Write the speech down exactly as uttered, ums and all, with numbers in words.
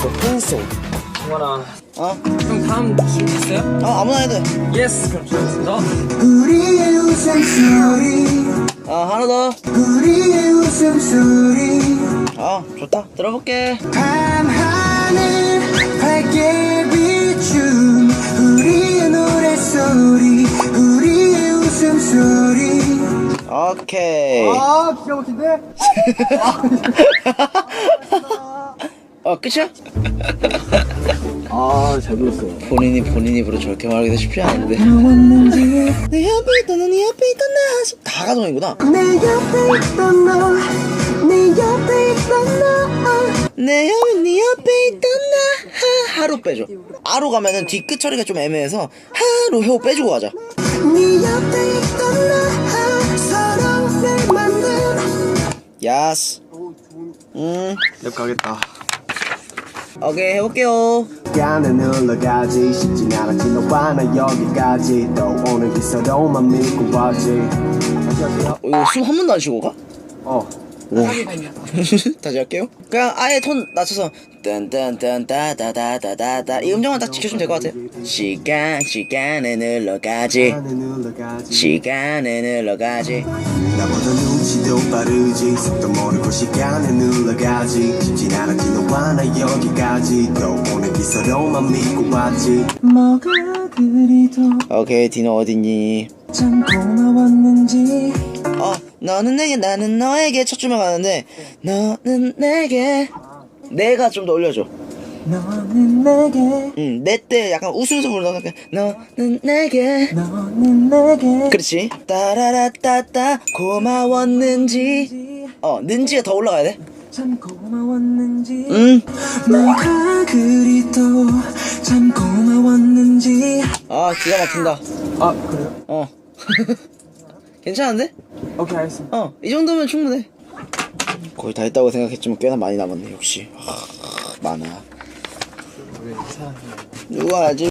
한송. 동원아. 어? 형 다음 줄 있어요? 어, 아무나 해도 돼. 예스. 그럼 주겠습니다. 우리의 웃음소리 어, 하나 더. 우리의 웃음소리 어, 좋다. 들어볼게. 밤하늘 밝게 비춘 우리의 노래소리 우리의 웃음소리. 오케이. 아 기가 막힌데? 어, 끝이야? 아 잘 불렀어. 본인이 본인 입으로 저렇게 말하기도 쉽지 않은데. 내 옆에 있던 너, 네 옆에 있던 나. 다 가동이구나. 내 옆에 있던 너 내 옆에 있던 너 내 옆에 네 옆에 있던 나. 하, 하로 빼줘. 아로 가면은 뒤끝 처리가 좀 애매해서 하로 혀 빼주고 가자. 네 옆에 있던 너 사랑을 만든. 야스. 음. 랩 가겠다. 오케이, 해볼게요. 시간은 흘러가지 쉽진 않았지 너와 나 여기까지 또 오늘 기서로만 믿고 왔지. 다시 할게요. 어, 이거 숨 한 번도 안 쉬고 가? 어 오. 다시 할게요. 그냥 아예 톤 낮춰서 딴딴딴따다다다다다 이 음정만 딱 지켜주면 될 것 같아요. 시간 시간은 흘러가지 시간은 흘러가지 시간은 흘러가지. 나보다 눈치도 빠르지 속도 모르고 시간은 흘러가지 쉽진 않았지 너와 나 여기까지 또 오늘 기서로만 믿고 왔지. 뭐가 그리도 오케이, 디노 어딨니? 참 고마웠는지. 어, 너는 내게 나는 너에게 첫 줄만 가는데 너는 내게 내가 좀 더 올려줘. 너는 내게 응, 내 때 약간 웃으면서 부르다가 너는 내게 너는 내게 그렇지. 따라라따따 고마웠는지. 어, 는지가 더 올라가야 돼. 참 고마웠는지. 응. 뭐가 그리도 참 고마웠는지. 아, 기가 막힌다. 아 그래요? 어. 괜찮은데? 오케이 알겠습니다. 어, 이 정도면 충분해. 거의 다 했다고 생각했지만 꽤나 많이 남았네. 역시 하, 많아. 누가 알지?